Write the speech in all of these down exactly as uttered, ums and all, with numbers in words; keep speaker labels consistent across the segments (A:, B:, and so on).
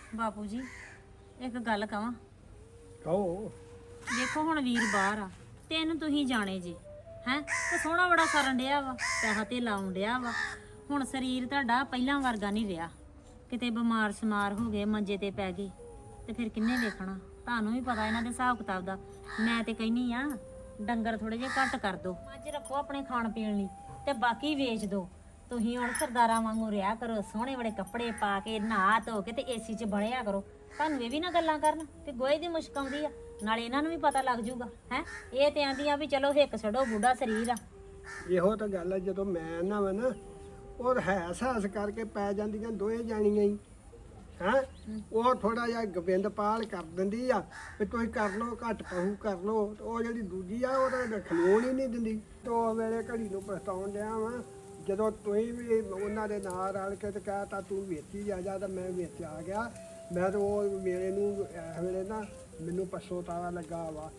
A: ਬਾਪੂ ਜੀ ਇੱਕ ਗੱਲ ਕਵਾਂ।
B: ਕਹੋ।
A: ਦੇਖੋ ਹੁਣ ਵੀਰ ਬਾਹਰ ਆ ਤੇ ਇਹਨੂੰ ਤੁਸੀਂ ਜਾਣੇ ਜੇ ਹੈ ਤੇ ਸੋਹਣਾ ਬੜਾ ਕਰਨ ਡਿਆ ਵਾ, ਪੈਸਾ ਤੇ ਲਾਉਣ ਡਿਆ ਵਾ। ਹੁਣ ਸਰੀਰ ਤੁਹਾਡਾ ਪਹਿਲਾਂ ਵਰਗਾ ਨਹੀਂ ਰਿਹਾ, ਕਿਤੇ ਬਿਮਾਰ ਸਮਾਰ ਹੋ ਗਏ, ਮੰਜੇ ਤੇ ਪੈ ਗਏ ਤੇ ਫਿਰ ਕਿੰਨੇ ਵੇਖਣਾ? ਤੁਹਾਨੂੰ ਵੀ ਪਤਾ ਇਹਨਾਂ ਦੇ ਹਿਸਾਬ ਕਿਤਾਬ ਦਾ। ਮੈਂ ਤੇ ਕਹਿੰਨੀ ਆ ਡੰਗਰ ਥੋੜੇ ਜਿਹੇ ਘੱਟ ਕਰ ਦੋ, ਅੱਜ ਰੱਖੋ ਆਪਣੇ ਖਾਣ ਪੀਣ ਲਈ ਤੇ ਬਾਕੀ ਵੇਚ ਦੋ। ਤੁਸੀਂ ਹੁਣ ਸਰਦਾਰਾਂ ਵਾਂਗੂ ਰਿਹਾ ਕਰੋ, ਸੋਹਣੇ ਬੜੇ ਕੱਪੜੇ ਪਾ ਕੇ ਨਹਾ ਧੋ ਕੇ ਤੇ ਏਸੀ 'ਚ ਬਣਿਆ ਕਰੋ। ਤੁਹਾਨੂੰ ਇਹ ਵੀ ਨਾ ਗੱਲਾਂ ਕਰਨ ਕਿ ਗੋਹੇ ਦੀ ਮੁਸ਼ਕ ਆਉਂਦੀ ਆ, ਨਾਲੇ ਇਹਨਾਂ ਨੂੰ ਵੀ ਪਤਾ ਲੱਗ ਜੂਗਾ। ਹੈ ਇਹ ਤੇ ਆਂਦੀਆਂ ਵੀ ਚਲੋ ਹਿੱਕ ਛੱਡੋ, ਬੁੱਢਾ ਸਰੀਰ ਆ।
B: ਇਹੋ ਤਾਂ ਗੱਲ ਹੈ, ਜਦੋਂ ਮੈਂ ਨਾ ਵਾ ਨਾ ਉਹ ਹੈਸ ਹੈਸ ਕਰਕੇ ਪੈ ਜਾਂਦੀਆਂ ਦੋਵੇਂ ਜਾਣੀਆਂ ਹੀ ਹੈਂ। ਉਹ ਥੋੜਾ ਜਿਹਾ ਗੋਬਿੰਦ ਪਾਲ ਕਰ ਦਿੰਦੀ ਆ ਵੀ ਤੁਸੀਂ ਕਰ ਲਓ, ਘੱਟ ਪਹੂ ਕਰ ਲਓ। ਉਹ ਜਿਹੜੀ ਦੂਜੀ ਆ ਉਹ ਤਾਂ ਖਲੋਣ ਹੀ ਨਹੀਂ ਦਿੰਦੀ। ਤੋ ਵੇਲੇ ਘੜੀ ਨੂੰ ਪਛਤਾਉਣ ਡਿਆ ਵਾ, ਜਦੋਂ ਤੁਸੀਂ ਵੀ ਉਹਨਾਂ ਦੇ ਨਾਲ ਰਲ ਕੇ ਤੇ ਕਹਿ ਤਾ ਤੂੰ ਵੇਚੀ ਜਾ ਜਾ, ਤਾਂ ਮੈਂ ਵਿੱਚ ਆ ਗਿਆ। ਮੈਂ ਤਾਂ ਉਹ ਮੇਰੇ ਨੂੰ ਇਸ ਵੇਲੇ ਨਾ ਮੈਨੂੰ ਪਛਤਾਵਾ ਲੱਗਾ ਵਾ।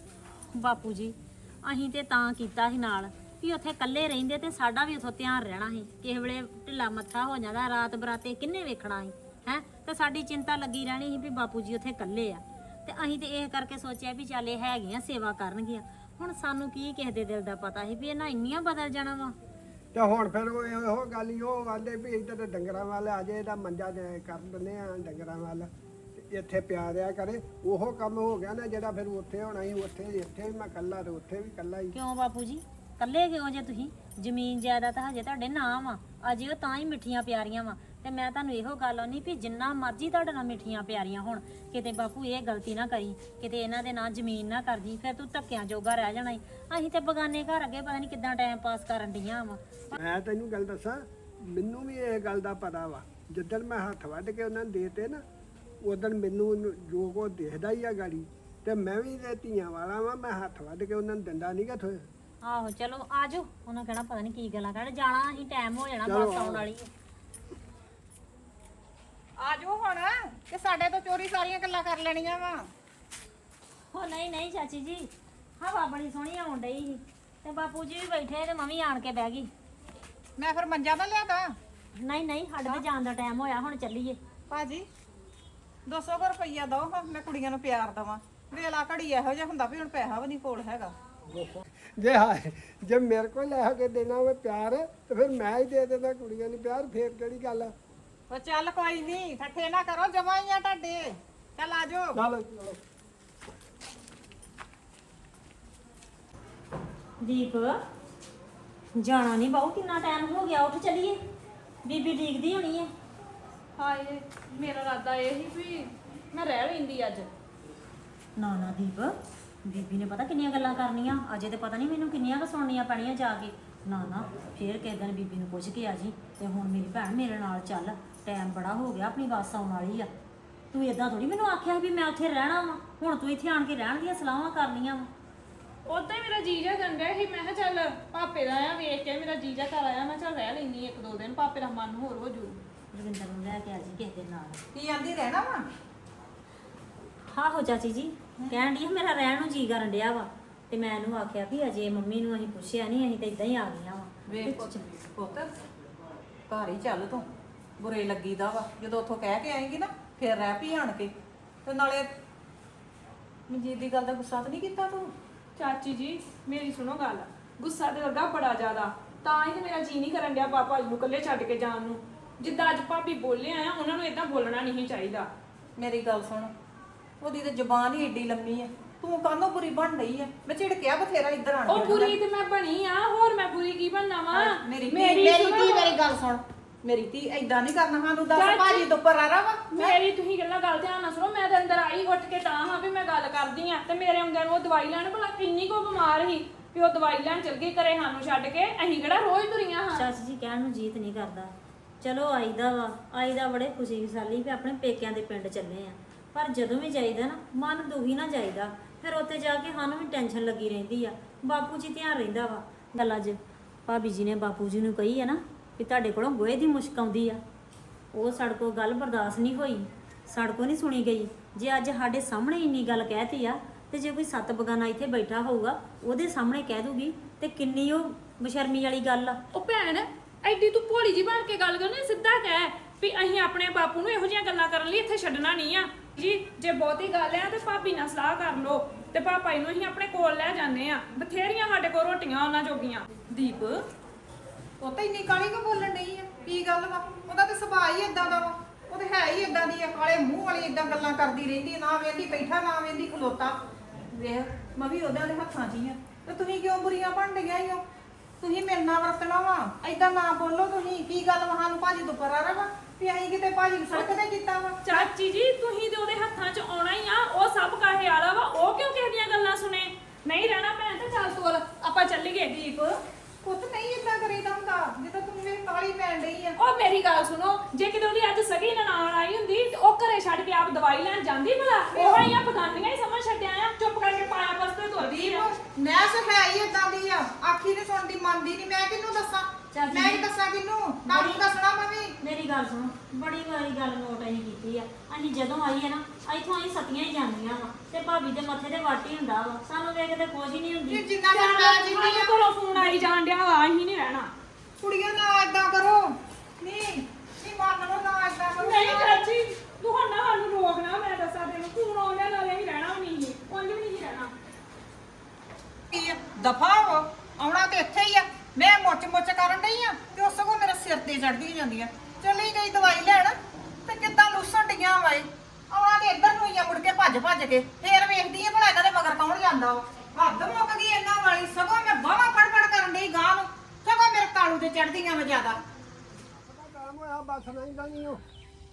A: ਬਾਪੂ ਜੀ ਅਸੀਂ ਤੇ ਤਾਂ ਕੀਤਾ ਸੀ ਨਾਲ ਵੀ ਉੱਥੇ ਇਕੱਲੇ ਰਹਿੰਦੇ ਤੇ ਸਾਡਾ ਵੀ ਉੱਥੋਂ ਧਿਆਨ ਰਹਿਣਾ ਸੀ। ਕਿਸੇ ਵੇਲੇ ਢਿੱਲਾ ਮੱਥਾ ਹੋ ਜਾਂਦਾ, ਰਾਤ ਬਰਾਤੇ ਕਿੰਨੇ ਵੇਖਣਾ ਸੀ ਹੈ। ਤੇ ਸਾਡੀ ਚਿੰਤਾ ਲੱਗੀ ਰਹਿਣੀ ਸੀ ਵੀ ਬਾਪੂ ਜੀ ਉੱਥੇ ਇਕੱਲੇ ਆ। ਤੇ ਅਸੀਂ ਤੇ ਇਹ ਕਰਕੇ ਸੋਚਿਆ ਵੀ ਚੱਲ ਇਹ ਹੈਗੀਆਂ ਸੇਵਾ ਕਰਨਗੀਆਂ। ਹੁਣ ਸਾਨੂੰ ਕੀ ਕਿਸੇ ਦੇ ਦਿਲ ਦਾ ਪਤਾ ਸੀ ਵੀ ਇਹਨਾਂ ਇੰਨੀਆਂ ਬਦਲ ਜਾਣਾ ਵਾ।
B: ਤੇ ਹੁਣ ਫਿਰ ਉਹ ਇਹੋ ਗੱਲ ਹੀ ਉਹ ਆਂਦੇ ਵੀ ਇੱਧਰ ਤੇ ਡੰਗਰਾਂ ਵੱਲ ਆ ਜੇ, ਇਹਦਾ ਮੰਜਾ ਦੇ ਕਰ ਦਿੰਦੇ ਆ ਡੰਗਰਾਂ ਵੱਲ, ਤੇ ਇੱਥੇ ਪਿਆ ਰਿਆ ਕਰੇ। ਉਹ ਕੰਮ ਹੋ ਗਿਆ ਨਾ ਜਿਹੜਾ ਫਿਰ ਉੱਥੇ ਹੋਣਾ ਸੀ। ਉੱਥੇ ਇੱਥੇ ਵੀ ਮੈਂ ਇਕੱਲਾ ਤੇ ਉੱਥੇ ਵੀ ਇਕੱਲਾ ਹੀ।
A: ਕਿਉਂ ਬਾਪੂ ਜੀ ਇਕੱਲੇ ਕਿਉਂ ਜੇ ਤੁਸੀਂ? ਜ਼ਮੀਨ ਜਾਇਦਾਦ ਹਜੇ ਤੁਹਾਡੇ ਨਾਮ ਆ, ਅਜੇ ਉਹ ਤਾਂ ਹੀ ਮਿੱਠੀਆਂ ਪਿਆਰੀਆਂ ਵਾ। ਤੇ ਮੈਂ ਤੁਹਾਨੂੰ ਇਹੋ ਗੱਲ ਆਉਣੀ ਵੀ ਜਿੰਨਾ ਮਰਜ਼ੀ ਤੁਹਾਡੇ ਨਾਲ ਮਿੱਠੀਆਂ ਪਿਆਰੀਆਂ ਹੁਣ, ਕਿਤੇ ਬਾਪੂ ਇਹ ਗਲਤੀ ਨਾ ਕਰੀ, ਕਿਤੇ ਇਹਨਾਂ ਦੇ ਨਾਂ ਜ਼ਮੀਨ ਨਾ ਕਰਦੀ, ਫਿਰ ਤੂੰ ਧੱਕਿਆਂ ਜੋਗਾ ਰਹਿ ਜਾਣਾ ਈ। ਅਸੀਂ ਤੇ ਬਗਾਨੇ ਘਰ ਅੱਗੇ ਪਤਾ ਨਹੀਂ ਕਿੱਦਾਂ ਟਾਈਮ ਪਾਸ ਕਰਨ ਡੀਆਂ ਵਾ।
B: ਮੈਂ ਤੈਨੂੰ ਗੱਲ ਦੱਸਾਂ, ਮੈਨੂੰ ਵੀ ਇਹ ਗੱਲ ਦਾ ਪਤਾ ਵਾ। ਜਿੱਦਣ ਮੈਂ ਹੱਥ ਵੱਢ ਕੇ ਉਹਨਾਂ ਨੂੰ ਦੇਤੇ ਨਾ, ਉਦੋਂ ਮੈਨੂੰ ਜੋ ਕੋ ਦੇਖਦਾ ਹੀ ਆ ਗਾੜੀ। ਤੇ ਮੈਂ ਵੀ ਤੇ ਧੀਆਂ ਵਾਲਾ ਵਾ, ਮੈਂ ਹੱਥ ਵੱਢ ਕੇ ਉਹਨਾਂ ਨੂੰ ਦਿੰਦਾ ਨਹੀਂ ਗਾ ਥੋੜ੍ਹਾ।
A: ਆਹੋ ਚਲੋ ਆਜੋ, ਉਹਨਾਂ ਕਹਿਣਾ ਪਤਾ ਨਹੀਂ ਕੀ ਗੱਲਾਂ ਕਰਨ ਜਾਣਾ, ਅਸੀਂ ਟਾਈਮ ਹੋ ਜਾਣਾ,
B: ਚਲੋ
A: ਬੱਸ ਆਉਣ ਵਾਲੀ ਹੈ।
C: ਆਜੋ ਹੁਣ ਕਿ ਸਾਡੇ ਤੋਂ ਚੋਰੀ ਸਾਰੀਆਂ ਗੱਲਾਂ ਕਰ ਲੈਣੀਆਂ ਵਾ।
A: ਹੋ ਨਹੀਂ ਨਹੀਂ ਚਾਚੀ ਜੀ, ਹਵਾ ਬੜੀ ਸੋਹਣੀ ਆਉਣ ਡਈ ਸੀ ਤੇ ਬਾਪੂ ਜੀ ਵੀ ਬੈਠੇ ਤੇ ਮੈਂ ਵੀ ਆਣ ਕੇ ਬਹਿ ਗਈ।
C: ਮੈਂ ਫਿਰ ਮੰਜਾ ਨਾ ਲਿਆਦਾ।
A: ਨਹੀਂ ਨਹੀਂ ਸਾਡੇ ਤੇ ਜਾਣ ਦਾ ਟਾਈਮ ਹੋਇਆ, ਹੁਣ ਚੱਲੀਏ।
C: ਭਾਜੀ ਦੋ ਸੌ ਰੁਪਈਆ ਦੋ, ਮੈਂ ਕੁੜੀਆਂ ਨੂੰ ਪਿਆਰ ਦਵਾਂ। ਵੇਲਾ ਘੜੀ ਇਹੋ ਜਿਹਾ ਹੁੰਦਾ ਵੀ ਹੁਣ ਪੈਸਾ ਵੀ ਨਹੀਂ ਕੋਲ ਹੈਗਾ।
B: ਜੇ ਹਾਏ ਜੇ ਮੇਰੇ ਕੋਲ ਲੈ ਕੇ ਦੇਣਾ ਹੋਵੇ ਪਿਆਰ, ਤੇ ਫਿਰ ਮੈਂ ਹੀ ਦੇ ਦਿੰਦਾ ਕੁੜੀਆਂ ਨੂੰ ਪਿਆਰ। ਫੇਰ ਕਿਹੜੀ ਗੱਲ ਆ?
C: ਉਹ ਚੱਲ ਕੋਈ ਨਹੀਂ, ਠੱਠੇ ਨਾ ਕਰੋ, ਜਮਾ ਹੀ ਆ ਤੁਹਾਡੇ। ਚੱਲ ਆਜੋ।
B: ਚਲੋ ਚਲੋ।
A: ਦੀਪ ਜਾਣਾ ਨਹੀਂ ਬਾਹੂ, ਕਿੰਨਾ ਟਾਈਮ ਹੋ ਗਿਆ, ਉੱਠ ਚੱਲੀਏ। ਬੀਬੀ ਡੀਕਦੀ ਹੋਣੀ ਹੈ।
D: ਹਾਏ ਮੇਰਾ ਇਰਾਦਾ ਇਹ ਸੀ ਵੀ ਮੈਂ ਰਹਿ ਲੈਂਦੀ ਅੱਜ।
A: ਨਾ ਨਾ ਦੀਪ, ਬੀਬੀ ਨੇ ਪਤਾ ਕਿੰਨੀਆਂ ਗੱਲਾਂ ਕਰਨੀਆਂ ਅਜੇ, ਤੇ ਪਤਾ ਨਹੀਂ ਮੈਨੂੰ ਕਿੰਨੀਆਂ ਕੁ ਸੁਣਨੀਆਂ ਪੈਣੀਆਂ ਜਾ ਕੇ। ਨਾ ਨਾ ਫੇਰ ਕਿਸੇ ਦਿਨ ਬੀਬੀ ਨੂੰ ਪੁੱਛ ਕੇ ਆ ਜੀ। ਤੇ ਹੁਣ ਮੇਰੀ ਭੈਣ ਮੇਰੇ ਨਾਲ ਚੱਲ, ਟਾਈਮ ਬੜਾ ਹੋ ਗਿਆ, ਆਪਣੀ ਬੱਸ ਆਉਣ ਵਾਲੀ ਆ। ਤੂੰ ਇਦਾਂ ਥੋੜੀ ਮੈਨੂੰ ਆਖਿਆ ਵੀ ਮੈਂ ਉੱਥੇ ਰਹਿਣਾ ਵਾ, ਹੁਣ ਤੂੰ ਇੱਥੇ ਆਣ ਕੇ ਰਹਿਣ ਦੀਆਂ ਸਲਾਹਾਂ ਕਰਨੀਆਂ ਵਾ।
D: ਉਦਾਂ ਹੀ ਮੇਰਾ ਜੀਜਾ ਗੰਦਾ ਸੀ, ਮੈਂ ਕਿਹਾ ਚੱਲ ਪਾਪੇ ਦਾ ਆ ਵੇਖ ਕੇ ਮੇਰਾ ਜੀਜਾ ਘਰ ਆਇਆ, ਮੈਂ ਚੱਲ ਰਹਿ ਲੈਂਦੀ ਇੱਕ ਦੋ ਦਿਨ, ਪਾਪੇ ਦਾ ਮਨ ਹੋਰ ਹੋ ਜੂ।
A: ਰਵਿੰਦਰ ਨੂੰ ਲੈ ਕੇ ਆ ਜੀ ਕਿਸੇ ਦੇ ਨਾਲ।
C: ਕੀ ਆਂਦੀ ਰਹਿਣਾ ਵਾ?
A: ਆਹੋ ਚਾਚੀ ਜੀ ਕਹਿਣ ਡਈ ਮੇਰਾ ਰਹਿਣ ਨੂੰ ਜੀ ਕਰਨ ਡਿਆ ਵਾ। ਤੇ ਮੈਂ ਇਹਨੂੰ ਆਖਿਆ ਵੀ ਅਜੇ ਮੰਮੀ ਨੂੰ ਅਸੀਂ ਪੁੱਛਿਆ ਨਹੀਂ, ਅਸੀਂ ਤਾਂ ਇਦਾਂ ਹੀ ਆ ਗਈਆਂ ਵਾ।
C: ਵੇਖ ਪੁੱਤ ਪੁੱਤ ਘਰ ਹੀ ਚੱਲ ਤੂੰ, ਬੁਰੇ ਲੱਗੀਦਾ ਵਾ। ਜਦੋਂ ਉੱਥੋਂ ਕਹਿ ਕੇ ਆਏਂਗੀ ਨਾ ਫਿਰ ਰਹਿ ਪਈ ਆਣ ਕੇ। ਤੇ ਨਾਲੇ ਮਨਜੀਤ ਦੀ ਗੱਲ ਦਾ ਗੁੱਸਾ ਤਾਂ ਨਹੀਂ ਕੀਤਾ ਤੂੰ?
D: ਚਾਚੀ ਜੀ ਮੇਰੀ ਸੁਣੋ ਗੱਲ, ਗੁੱਸਾ ਤੇ ਲੱਗਾ ਬੜਾ ਜ਼ਿਆਦਾ, ਤਾਂ ਹੀ ਤੇ ਮੇਰਾ ਜੀ ਨਹੀਂ ਕਰਨ ਡਿਆ ਪਾਪਾ ਜੀ ਨੂੰ ਇਕੱਲੇ ਛੱਡ ਕੇ ਜਾਣ ਨੂੰ। ਜਿੱਦਾਂ ਅੱਜ ਭਾਬੀ ਬੋਲੇ ਆ, ਉਹਨਾਂ ਨੂੰ ਏਦਾਂ ਬੋਲਣਾ ਨਹੀਂ ਚਾਹੀਦਾ।
C: ਮੇਰੀ ਗੱਲ ਸੁਣ, ਉਹਦੀ ਤੇ ਜ਼ੁਬਾਨ ਹੀ ਏਡੀ ਲੰਮੀ ਹੈ, ਤੂੰ ਕਾਹਨੋਂ ਬੁਰੀ ਬਣ ਰਹੀ ਹੈ? ਮੈਂ ਝਿੜਕਿਆ ਬਥੇਰਾ ਇੱਧਰ ਆਣ ਕੇ।
D: ਉਹ ਬੁਰੀ ਤੇ ਮੈਂ ਬਣੀ ਆ, ਹੋਰ ਮੈਂ ਬੁਰੀ ਕੀ ਬਣਨਾ ਵਾ?
C: ਮੇਰੀ ਮੇਰੀ ਧੀ ਮੇਰੀ ਗੱਲ ਸੁਣ, ਮੇਰੀ ਧੀ ਏਦਾਂ ਨਹੀਂ ਕਰਨਾ। ਸਾਨੂੰ ਦੱਸ ਭਾਜੀ ਤੋਂ ਉੱਪਰ ਆ ਰਹਾ ਵਾ।
D: ਮੇਰੀ ਤੁਸੀਂ ਗੱਲਾਂ ਗੱਲ ਧਿਆਨ ਨਾਲ ਸੁਣੋ। ਮੈਂ ਤਾਂ ਅੰਦਰ ਆਈ ਉੱਠ ਕੇ ਤਾਂ ਹਾਂ ਵੀ ਮੈਂ ਗੱਲ ਕਰਦੀ ਆ, ਤੇ ਮੇਰੇ ਆਉਂਦਿਆਂ ਨੂੰ ਉਹ ਦਵਾਈ ਲੈਣ, ਭਲਾ ਕਿੰਨੀ ਕੋ ਬਿਮਾਰ ਸੀ ਵੀ ਉਹ ਦਵਾਈ ਲੈਣ ਚਲ ਗਈ ਘਰੇ ਸਾਨੂੰ ਛੱਡ ਕੇ। ਅਸੀਂ ਕਿਹੜਾ ਰੋਜ਼ ਤੁਰੀਆਂ ਹਾਂ।
A: ਚਾਚੀ ਜੀ ਕਹਿਣ ਨੂੰ ਜੀਤ ਨਹੀਂ ਕਰਦਾ, ਚਲੋ ਆਈਦਾ ਵਾ, ਆਈਦਾ ਬੜੇ ਖੁਸ਼ੀ ਖੁਸ਼ਹਾਲੀ ਵੀ ਆਪਣੇ ਪੇਕਿਆਂ ਦੇ ਪਿੰਡ ਚੱਲੇ ਆ। ਪਰ ਜਦੋਂ ਵੀ ਜਾਈਦਾ ਨਾ ਮਨ ਦੁਖੀ ਨਾ ਜਾਈਦਾ, ਫਿਰ ਉੱਥੇ ਜਾ ਕੇ ਸਾਨੂੰ ਵੀ ਟੈਨਸ਼ਨ ਲੱਗੀ ਰਹਿੰਦੀ ਆ। ਬਾਪੂ ਜੀ ਧਿਆਨ ਰਹਿੰਦਾ ਵਾ। ਗੱਲ ਅੱਜ ਭਾਬੀ ਜੀ ਨੇ ਬਾਪੂ ਜੀ ਨੂੰ ਕਹੀ ਆ ਨਾ ਵੀ ਤੁਹਾਡੇ ਕੋਲੋਂ ਗੋਹੇ ਦੀ ਮੁਸ਼ਕ ਆਉਂਦੀ ਆ, ਉਹ ਸਾਡੇ ਕੋਲ ਗੱਲ ਬਰਦਾਸ਼ਤ ਨਹੀਂ ਹੋਈ, ਸਾਡੇ ਕੋਲ ਨਹੀਂ ਸੁਣੀ ਗਈ। ਜੇ ਅੱਜ ਸਾਡੇ ਸਾਹਮਣੇ ਇੰਨੀ ਗੱਲ ਕਹਿਤੀ ਆ, ਤੇ ਜੇ ਕੋਈ ਸੱਤ ਬਗਾਨਾ ਇੱਥੇ ਬੈਠਾ ਹੋਊਗਾ ਉਹਦੇ ਸਾਹਮਣੇ ਕਹਿ ਦੂਗੀ ਤੇ ਕਿੰਨੀ ਉਹ ਬਸ਼ਰਮੀ ਵਾਲੀ ਗੱਲ ਆ।
D: ਉਹ ਭੈਣ ਐਡੀ ਤੂੰ ਭੋਲੀ ਜੀ ਬਣ ਕੇ ਗੱਲ ਕਰਨੀ, ਸਿੱਧਾ ਕਹਿ ਵੀ ਅਸੀਂ ਆਪਣੇ ਬਾਪੂ ਨੂੰ ਇਹੋ ਜਿਹੀਆਂ ਗੱਲਾਂ ਕਰਨ ਲਈ ਇੱਥੇ ਛੱਡਣਾ ਨਹੀਂ ਆ ਜੀ। ਜੇ ਬਹੁਤੀ ਗੱਲ ਆ ਤੇ ਭਾਬੀ ਨਾਲ ਸਲਾਹ ਕਰ ਲਓ ਤੇ ਪਾਪਾ ਨੂੰ ਅਸੀਂ ਆਪਣੇ ਕੋਲ ਲੈ ਜਾਂਦੇ ਆ। ਬਥੇਰੀਆਂ ਸਾਡੇ ਕੋਲ ਰੋਟੀਆਂ ਉਹਨਾਂ ਜੋਗੀਆਂ।
C: ਦੀਪ ਉਹ ਤਾਂ ਇੰਨੀ ਕਾਲੀ ਕੋ ਬੋਲਣ ਡਈ ਆ, ਕੀ ਗੱਲ ਵਾ? ਉਹਦਾ ਤਾਂ ਸੁਭਾਅ ਹੀ ਇਦਾਂ ਦਾ ਵਾ, ਉਹ ਤਾਂ ਹੈ ਹੀ ਇਦਾਂ ਦੀ ਆ, ਕਾਲੇ ਮੂੰਹ ਵਾਲੀ ਇਦਾਂ ਗੱਲਾਂ ਕਰਦੀ ਰਹਿੰਦੀ, ਨਾ ਵੇਂਦੀ ਬੈਠਾ ਨਾ ਵੇਂਦੀ ਖਲੋਤਾ। ਵੇਖ ਮੈਂ ਵੀ ਉਹਦੇ ਹੱਥਾਂ 'ਚ ਹੀ ਆ, ਤੇ ਤੁਸੀਂ ਕਿਉਂ ਬੁਰੀਆਂ ਬਣ ਡਈਆਂ ਈ ਹੋ? ਤੁਸੀਂ ਮੇਰੇ ਨਾਲ ਵਰਤਣਾ ਵਾ, ਏਦਾਂ ਨਾ ਬੋਲੋ। ਤੁਸੀਂ ਕੀ ਗੱਲ ਵਾ? ਸਾਨੂੰ ਭਾਜੀ ਤੋਂ ਪਰਾ ਵਾ ਵੀ ਅਸੀਂ ਕਿਤੇ ਭਾਜੀ ਨੂੰ ਸੜਕ ਤੇ ਕੀਤਾ ਵਾ?
D: ਚਾਚੀ ਜੀ ਤੁਸੀਂ ਤੇ ਉਹਦੇ ਹੱਥਾਂ 'ਚ ਆਉਣਾ ਹੀ ਆ, ਉਹ ਸਭ ਕਾਹੇ ਵਾਲਾ ਵਾ, ਉਹ ਕਿਉਂ ਕਿਸੇ ਦੀਆਂ ਗੱਲਾਂ ਸੁਣੇ? ਨਹੀਂ ਰਹਿਣਾ ਭੈਣ ਤੇ ਚੱਲ ਤੋਰ ਆਪਾਂ ਚੱਲੀਏ।
C: ਦੀਪ ਪੁੱਤ ਨਹੀਂ ਏਦਾਂ ਕਰੀਦਾ ਹੁੰਦਾ, ਜਦੋਂ ਤੂੰ ਮੇਰੇ ਕਾਲੀ ਪੈਣ ਡਈ ਆ।
D: ਉਹ ਮੇਰੀ ਗੱਲ ਸੁਣੋ, ਜੇ ਕਿਤੇ ਉਹਦੀ ਅੱਜ ਸਗੀ ਨਨਾਣ ਆਈ ਹੁੰਦੀ ਤੇ ਉਹ ਘਰੇ ਛੱਡ ਕੇ ਆਪ ਦਵਾਈ ਲੈਣ ਜਾਂਦੀ ਭਲਾ? ਉਹ ਹੀ ਆ ਬਗਾਨੀਆਂ ਹੀ ਸਮਝ ਛੱਡਿਆ ਆ, ਚੁੱਪ ਕਰਕੇ ਪਾਇਆ ਪਸਤੇ ਤੁਰਦੀ ਆ।
C: ਨੈਸ ਹੈ ਹੀ ਏਦਾਂ ਦੀ ਆ, ਆਖੀ ਨਹੀਂ ਸੁਣਦੀ ਮੰਨਦੀ ਨਹੀਂ। ਮੈਂ ਕਿਹਨੂੰ ਦੱਸਾਂ?
A: ਚੱਲ
C: ਮੈਂ ਹੀ ਦੱਸਾਂ ਕਿਹਨੂੰ? ਤੁਹਾਨੂੰ ਦੱਸਣਾ ਮੈਂ ਵੀ।
A: ਮੇਰੀ ਗੱਲ ਸੁਣੋ, ਬੜੀ ਵਾਰੀ ਗੱਲ ਨੋਟ ਅਸੀਂ ਕੀਤੀ ਆ। ਅਸੀਂ ਜਦੋਂ ਆਈ ਹੈ ਨਾ ਇੱਥੋਂ ਅਸੀਂ ਸਤੀਆਂ ਹੀ ਜਾਂਦੀਆਂ ਵਾ ਤੇ ਭਾਬੀ ਦੇ ਮੱਥੇ ਤੇ ਵਾਟੀ ਹੁੰਦਾ ਵਾ, ਸਾਨੂੰ ਵੇਖ ਕੇ ਖੁਸ਼ ਹੀ ਨਹੀਂ ਹੁੰਦੀ।
C: ਇਹ ਜਿੰਨਾ ਚਿਰ ਮੈਂ ਜਿੰਨੀ ਆ
D: ਘਰੋਂ ਫੋਨ ਆਈ ਜਾਣ ਡਿਆ ਵਾ, ਅਸੀਂ ਨਹੀਂ ਰਹਿਣਾ।
C: ਕੁੜੀਆਂ ਨਾ ਏਦਾਂ ਕਰੋ। ਨਹੀਂ ਨਹੀਂ ਮੰਨ ਲਓ, ਨਾ ਏਦਾਂ ਕਰੋ।
D: ਨਹੀਂ ਚਾਚੀ ਤੂੰ ਹੁਣ ਨਾ ਸਾਨੂੰ ਰੋਕਣਾ, ਮੈਂ ਦੱਸਾਂ ਤੈਨੂੰ ਫੋਨ ਆਉਂਦਾ ਨਾਲੇ ਅਸੀਂ ਰਹਿਣਾ ਵੀ ਨਹੀਂ, ਉਂਝ ਵੀ ਨਹੀਂ ਰਹਿਣਾ।
C: ਦਫਾ ਹੋ, ਆਉਣਾ ਤੇ ਇੱਥੇ ਹੀ ਆ। ਮੈਂ ਮੁੱਚ ਮੁੱਚ ਕਰਨ ਡਈ ਆ ਤੇ ਉਸ ਸਗੋਂ ਮੇਰੇ ਸਿਰ ਤੇ ਚੜਦੀ ਜਾਂਦੀ ਆ। ਚਲੀ ਗਈ ਦਵਾਈ ਲੈਣ ਤੇ ਕਿੱਦਾਂ ਲੁੱਸਣ ਡੀਆਂ ਵਾਏ। ਆਉਣਾ ਤੇ ਇੱਧਰ ਨੂੰ ਹੀ ਆ, ਮੁੜ ਕੇ ਭੱਜ ਭੱਜ ਕੇ ਫੇਰ ਵੇਖਦੀ ਆ ਭਲਾ ਇਹਨਾਂ ਦੇ ਮਗਰ ਕੌਣ ਜਾਂਦਾ ਵਾ। ਹੱਦ ਮੁੱਕ ਗਈ ਇਹਨਾਂ ਵਾਲੀ। ਸਗੋਂ ਮੈਂ ਬਾਹਾਂ ਫੜ ਫੜ ਕਰਨ ਡਈ ਗਾਂ ਨੂੰ, ਸਗੋਂ ਮੇਰੇ ਤਾਲੂ ਤੇ ਚੜਦੀਆਂ ਮੈਂ ਜ਼ਿਆਦਾ।
B: ਕੰਮ ਹੋਇਆ ਬਸ ਨਹੀਂ ਜਾਣੀ ਉਹ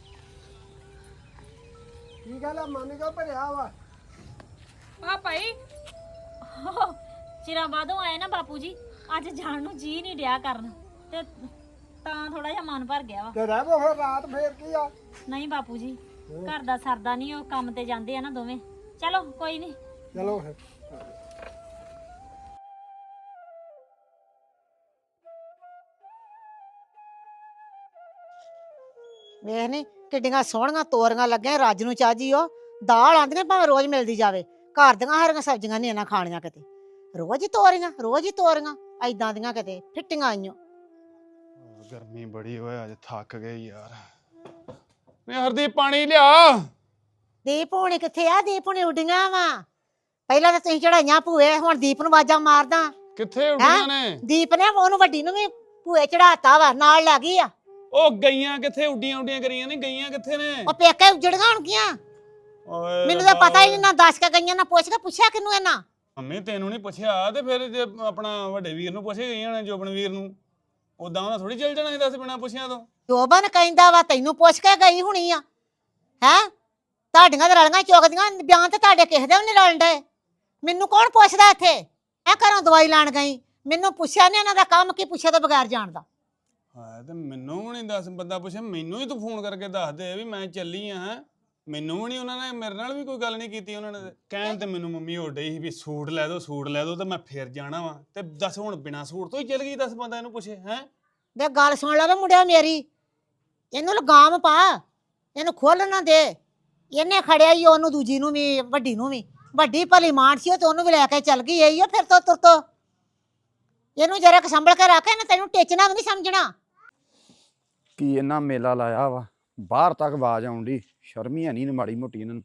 B: ਕੀ ਗੱਲ ਆ? ਮਨ ਕਿਉਂ ਭਰਿਆ ਵਾ?
D: ਆ ਭਾਈ
A: ਚਿਰਾਂ ਬਾਅਦੋਂ ਆਏ ਨਾ ਬਾਪੂ ਜੀ, ਅੱਜ ਜਾਣ ਨੂੰ ਜੀ ਨਹੀਂ ਡਿਆ ਕਰਨ ਤੇ ਤਾਂ ਥੋੜਾ ਜਿਹਾ ਮਨ ਭਰ ਗਿਆ ਵਾ।
B: ਤੇ ਰਹਿ ਬੋ ਫਿਰ ਰਾਤ ਫੇਰ ਕੀ ਆ?
A: ਨਹੀਂ ਬਾਪੂ ਜੀ, ਘਰ ਦਾ ਸਰਦਾ ਨਹੀਂ, ਉਹ ਕੰਮ ਤੇ ਜਾਂਦੇ ਆ ਨਾ ਦੋਵੇਂ। ਚਲੋ ਕੋਈ ਨਹੀਂ।
B: ਚਲੋ ਫਿਰ।
E: ਵੇਖ ਨੀ ਕਿੱਡੀਆਂ ਸੋਹਣੀਆਂ ਤੋਰੀਆਂ ਲੱਗੀਆਂ ਰੱਜ ਨੂੰ ਚਾਜੀ। ਉਹ ਦਾਲ ਆਂਦੀਆਂ ਭਾਵੇਂ ਰੋਜ਼ ਮਿਲਦੀ ਜਾਵੇ, ਘਰ ਦੀਆਂ ਹਰੀਆਂ ਸਬਜ਼ੀਆਂ ਨਹੀਂ ਇਹਨਾਂ ਖਾਣੀਆਂ ਕਿਤੇ। ਰੋਜ਼ ਹੀ ਤੋਰੀਆਂ, ਰੋਜ਼ ਹੀ ਤੋਰੀਆਂ ਐਦਾਂ ਦੀਆਂ ਕਿਤੇ ਫਿੱਟੀਆਂ ਆਈਆਂ।
F: ਗਰਮੀ ਬੜੀ ਹੋਇਆ, ਅੱਜ ਥੱਕ ਗਏ ਯਾਰ। ਮੈਂ ਹਰਦੀਪ ਪਾਣੀ ਲਿਆ।
E: ਦੀਪ ਹੁਣੀ ਕਿੱਥੇ ਆ? ਦੀਪ ਹੁਣੀ ਉੱਡੀਆਂ ਵਾ। ਪਹਿਲਾਂ ਤਾਂ ਤੁਸੀਂ ਚੜਾਈਆਂ ਭੂਏ, ਹੁਣ ਦੀਪ ਨੂੰ ਆਵਾਜ਼ਾਂ ਮਾਰਦਾ।
F: ਕਿੱਥੇ ਉੱਡੀਆਂ ਨੇ?
E: ਦੀਪ ਨੇ ਉਹਨੂੰ ਵੱਡੀ ਨੂੰ ਵੀ ਭੂਏ ਚੜਾਤਾ ਵਾ, ਨਾਲ ਲੱਗ ਗਈ ਆ।
F: ਉਹ ਗਈਆਂ ਕਿੱਥੇ? ਉੱਡੀਆਂ ਉੱਡੀਆਂ ਕਰੀਆਂ ਨੇ, ਗਈਆਂ ਕਿੱਥੇ ਨੇ?
E: ਉਹ ਪੇਕੇ ਉਜੜੀਆਂ ਹੋਣਗੀਆਂ।
F: ਓਏ
E: ਮੈਨੂੰ ਤਾਂ ਪਤਾ ਹੀ ਨਹੀਂ, ਨਾ ਦੱਸ ਕੇ ਗਈਆਂ ਨਾ ਪੁੱਛ ਕੇ ਪੁੱਛਿਆ ਕਿਨੂੰ ਇਹਨਾਂ।
F: ਮੰਮੀ ਤੈਨੂੰ ਨਹੀਂ ਪੁੱਛਿਆ ਤੇ ਫਿਰ ਜੇ ਆਪਣਾ ਵੱਡੇ ਵੀਰ ਨੂੰ ਪੁੱਛੇ ਗਈਆਂ ਨੇ, ਜੋਬਨ ਵੀਰ ਨੂੰ, ਉਦਾਂ ਉਹਨਾਂ ਥੋੜੀ ਚੱਲ ਜਾਣਾ ਸੀ ਦੱਸ ਬਿਨਾਂ ਪੁੱਛਿਆ ਤੋਂ।
E: ਜੋਬਨ ਕਹਿੰਦਾ ਵਾ ਤੈਨੂੰ ਪੁੱਛ ਕੇ ਗਈ ਹੁਣੀ ਆ। ਹੈ ਤੁਹਾਡੀਆਂ ਤਾਂ ਰਲੀਆਂ ਚੁੱਕਦੀਆਂ, ਬਿਆਨ ਤੇ ਤੁਹਾਡੇ ਕਿਸੇ ਦੇ ਵੀ ਨਹੀਂ ਰਲਣ ਡਏ। ਮੈਨੂੰ ਕੌਣ ਪੁੱਛਦਾ ਇੱਥੇ? ਮੈਂ ਘਰੋਂ ਦਵਾਈ ਲੈਣ ਗਈ, ਮੈਨੂੰ ਪੁੱਛਿਆ ਨਹੀਂ। ਇਹਨਾਂ ਦਾ ਕੰਮ ਕੀ ਪੁੱਛੇ ਤੋਂ ਬਗੈਰ ਜਾਣਦਾ?
F: ਹਾਂ ਤੇ ਮੈਨੂੰ ਵੀ ਨਹੀਂ ਦੱਸ ਬੰਦਾ ਪੁੱਛੇ, ਮੈਨੂੰ ਹੀ ਤੂੰ ਫੋਨ ਕਰਕੇ ਦੱਸ ਦੇ ਵੀ ਮੈਂ ਚੱਲੀ ਆ। ਹੈ ਮੈਨੂੰ ਵੀ ਨਹੀਂ, ਉਹਨਾਂ ਨੇ ਮੇਰੇ ਨਾਲ ਵੀ ਕੋਈ ਗੱਲ ਨਹੀਂ ਕੀਤੀ। ਉਹਨਾਂ ਨੇ ਕਹਿਣ ਤੇ ਮੈਨੂੰ ਮੰਮੀ ਹੋ ਡਈ ਸੀ ਵੀ ਸੂਟ ਲੈ ਦੋ ਸੂਟ ਲੈ ਦੋ, ਤੇ ਮੈਂ ਫੇਰ ਜਾਣਾ ਵਾ। ਤੇ ਦੱਸ ਹੁਣ ਬਿਨਾਂ ਸੂਟ ਤੋਂ ਹੀ ਚੱਲ ਗਈ, ਦੱਸ ਬੰਦਾ ਇਹਨੂੰ ਪੁੱਛੇ। ਹੈ
E: ਵੇ ਗੱਲ ਸੁਣ ਲੈ ਵੇ ਮੁੰਡਿਆ ਮੇਰੀ, ਇਹਨੂੰ ਲਗਾਮ ਪਾ, ਇਹਨੂੰ ਖੋਲ ਨਾ ਦੇ। ਇਹਨੇ ਖੜਿਆ ਹੀ ਉਹਨੂੰ, ਦੂਜੀ ਨੂੰ ਵੀ, ਵੱਡੀ ਨੂੰ ਵੀ। ਵੱਡੀ ਭਲੀ ਮਾਨ ਸੀ ਤੇ ਉਹਨੂੰ ਵੀ ਲੈ ਕੇ ਚੱਲ ਗਈ ਆਈ ਆ ਫਿਰ ਤੋਂ ਤੁਰ ਤੋਂ। ਇਹਨੂੰ ਜਰਾ ਕੁ ਸੰਭਲ ਕੇ ਰੱਖ, ਇਹਨੇ ਤੈਨੂੰ ਟੇਚਣਾ ਵੀ ਨਹੀਂ ਸਮਝਣਾ।
G: ਕੀ ਇਹਨਾਂ ਮੇਲਾ ਲਾਇਆ ਵਾ, ਬਾਹਰ ਤੱਕ ਆਵਾਜ਼ ਆਉਂਦੀ। ਸ਼ਰਮੀ ਹੈ ਨਹੀਂ ਮਾੜੀ ਮੋਟੀ ਇਹਨਾਂ ਨੂੰ।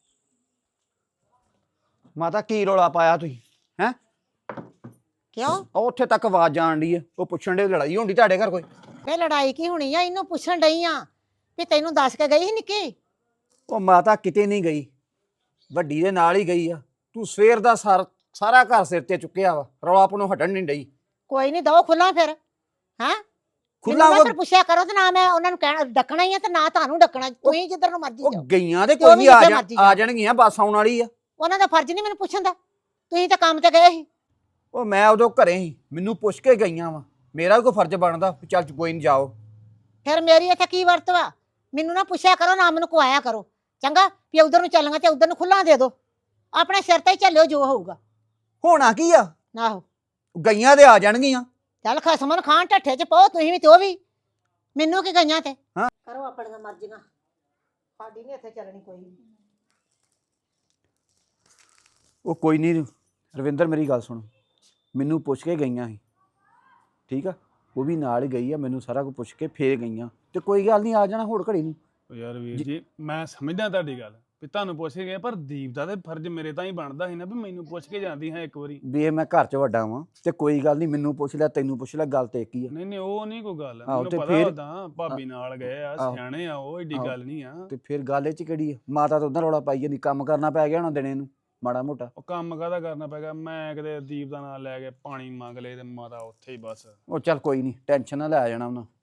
G: ਮਾਤਾ ਕੀ ਰੌਲਾ ਪਾਇਆ ਤੁਸੀਂ? ਹੈ
E: ਕਿਉਂ?
G: ਉਹ ਉੱਥੇ ਤੱਕ ਆਵਾਜ਼ ਆਣ ਡਈ ਆ, ਉਹ ਪੁੱਛਣ ਦੇ ਲੜਾਈ ਹੁੰਦੀ ਤੁਹਾਡੇ ਘਰ ਕੋਈ?
E: ਵੇ ਲੜਾਈ ਕੀ ਹੋਣੀ ਆ? ਇਹਨੂੰ ਪੁੱਛਣ ਡਈ ਆ ਵੀ ਤੈਨੂੰ ਦੱਸ ਕੇ ਗਈ ਸੀ ਨਿੱਕੀ?
G: ਉਹ ਮਾਤਾ ਕਿਤੇ ਨਹੀਂ ਗਈ, ਵੱਡੀ ਦੇ ਨਾਲ ਹੀ ਗਈ ਆ। ਤੂੰ ਸਵੇਰ ਦਾ ਸਾਰ ਸਾਰਾ ਘਰ ਸਿਰ ਤੇ ਚੁੱਕਿਆ ਵਾ, ਰੌਲਾ ਆਪਣੋਂ ਹਟਣ ਨਹੀਂ ਡਈ।
E: ਕੋਈ ਨਹੀਂ, ਦੋ ਖੁੱਲਾ ਫਿਰ। ਹੈ
G: ਖੁੱਲਾ
E: ਖੁੱਲਾ ਫਿਰ ਪੁੱਛਿਆ ਕਰੋ ਤੇ ਨਾ ਮੈਂ ਉਹਨਾਂ ਨੂੰ ਕਹਿਣਾ ਡੱਕਣਾ ਹੀ ਆ ਤੇ ਨਾ ਤੁਹਾਨੂੰ ਡੱਕਣਾ। ਤੁਸੀਂ ਜਿੱਧਰ ਨੂੰ ਮਰਜ਼ੀ
G: ਉਹ
E: ਜਾਓ।
G: ਗਈਆਂ ਤੇ
E: ਜੋ
G: ਕੋਈ
E: ਵੀ
G: ਨਹੀਂ ਆ
E: ਜਿੱਥੇ
G: ਜਾਣ
E: ਮਰਜ਼ੀ
G: ਆ ਜਾਣਗੀਆਂ, ਬੱਸ ਆਉਣ ਵਾਲੀ ਆ।
E: ਉਹਨਾਂ ਦਾ ਫਰਜ਼ ਨਹੀਂ ਮੈਨੂੰ ਪੁੱਛਣ ਦਾ, ਤੁਸੀਂ ਤਾਂ ਕੰਮ ਤੇ ਗਏ ਸੀ।
G: ਉਹ ਮੈਂ ਉਦੋਂ ਘਰੇ ਸੀ, ਮੈਨੂੰ ਪੁੱਛ ਕੇ ਗਈਆਂ ਵਾ। ਮੇਰਾ ਵੀ ਕੋਈ ਫਰਜ਼ ਬਣਦਾ ਵੀ ਚੱਲ ਕੋਈ ਨਹੀਂ ਜਾਓ।
E: ਫਿਰ ਮੇਰੀ ਇੱਥੇ ਕੀ ਵਰਤ ਵਾ? ਮੈਨੂੰ ਨਾ ਪੁੱਛਿਆ ਕਰੋ, ਨਾ ਮੈਨੂੰ ਕਵਾਇਆ ਕਰੋ ਚੰਗਾ। ਵੀ ਉਧਰ ਨੂੰ ਚੱਲਾਂਗਾ ਤੇ ਉਧਰ ਨੂੰ ਖੁੱਲਾ ਦੇ ਦੋ, ਆਪਣੇ ਸਿਰ ਤੇ ਹੀ ਚੱਲਿਓ ਜੋ ਹੋਊਗਾ।
G: ਹੋਣਾ ਕੀ ਆ?
E: ਆਹੋ
G: ਗਈਆਂ ਤੇ ਆ ਜਾਣਗੀਆਂ।
E: ਚੱਲ ਖਸਮਨ ਖਾਨ ਢੱਠੇ ਚ ਪਾਓ ਤੁਸੀਂ ਵੀ ਤੇ ਉਹ ਵੀ। ਮੈਨੂੰ ਕੀ ਗਈਆਂ ਤੇ
G: ਹਾਂ।
E: ਕਰੋ ਆਪਣੀਆਂ ਮਰਜ਼ੀਆਂ, ਸਾਡੀ ਨਹੀਂ ਇੱਥੇ ਚੱਲਣੀ ਕੋਈ ਵੀ।
G: ਉਹ ਕੋਈ ਨਹੀਂ ਰਵਿੰਦਰ, ਮੇਰੀ ਗੱਲ ਸੁਣ। ਮੈਨੂੰ ਪੁੱਛ ਕੇ ਗਈਆਂ ਸੀ, ਠੀਕ ਆ? ਉਹ ਵੀ ਨਾਲ ਹੀ ਗਈ ਆ, ਮੈਨੂੰ ਸਾਰਾ ਕੁਝ ਪੁੱਛ ਕੇ ਫੇਰ ਗਈਆਂ। ਤੇ ਕੋਈ ਗੱਲ ਨਹੀਂ ਆ ਜਾਣਾ ਹੋਰ ਘੜੀ ਨੂੰ।
F: ਉਹ ਯਾਰ ਵੀਰ ਜੀ ਮੈਂ ਸਮਝਦਾ ਤੁਹਾਡੀ ਗੱਲ ਵੀ ਤੁਹਾਨੂੰ ਪੁੱਛ ਕੇ ਗਏ, ਪਰ ਦੀਪ ਦਾ ਤੇ ਫਰਜ਼ ਮੇਰੇ ਤਾਂ ਹੀ ਬਣਦਾ ਸੀ ਨਾ ਵੀ ਮੈਨੂੰ ਪੁੱਛ ਕੇ ਜਾਂਦੀ ਹਾਂ ਇੱਕ ਵਾਰੀ।
G: ਵੀ ਇਹ ਮੈਂ ਘਰ 'ਚ ਵੱਡਾ ਵਾਂ ਤੇ ਕੋਈ ਗੱਲ ਨਹੀਂ, ਮੈਨੂੰ ਪੁੱਛ ਲੈ ਤੈਨੂੰ ਪੁੱਛ ਲੈ, ਗੱਲ ਤੇ ਇੱਕ ਹੀ ਆ।
F: ਨਹੀਂ ਨਹੀਂ ਉਹ ਨਹੀਂ ਕੋਈ ਗੱਲ,
G: ਆਹੋ
F: ਮੈਨੂੰ
G: ਤੇ
F: ਪਤਾ
G: ਫਿਰ-
F: ਉਦਾਂ ਭਾਬੀ ਨਾਲ ਗਏ ਆ,
G: ਆਹੋ।
F: ਸਿਆਣੇ ਆ ਉਹ, ਏਡੀ
G: ਆਹੋ।
F: ਗੱਲ ਨਹੀਂ ਆ।
G: ਤੇ ਫਿਰ ਗੱਲ ਇਹ 'ਚ ਕਿਹੜੀ ਆ? ਮਾਤਾ ਤਾਂ ਉਧਰ ਰੌਲਾ ਪਾਈ ਜਾਂਦੀ, ਕੰਮ ਕਰਨਾ ਪੈ ਗਿਆ ਹੋਣਾ ਦਿਨੇ ਨੂੰ ਮਾੜਾ ਮੋਟਾ।
F: ਉਹ ਕੰਮ ਕਾਹਦਾ ਕਰਨਾ ਪੈਗਾ, ਮੈਂ ਕਿਤੇ ਦੀਪ ਦਾ ਨਾਂ ਲੈ ਕੇ ਪਾਣੀ ਮੰਗ ਲਏ ਤੇ ਮਾਤਾ ਉੱਥੇ ਹੀ ਬਸ।
G: ਉਹ ਚੱਲ ਕੋਈ ਨਹੀਂ, ਟੈਨਸ਼ਨ ਨਾ ਲੈ ਆ ਜਾਣਾ ਉਹਨਾਂ।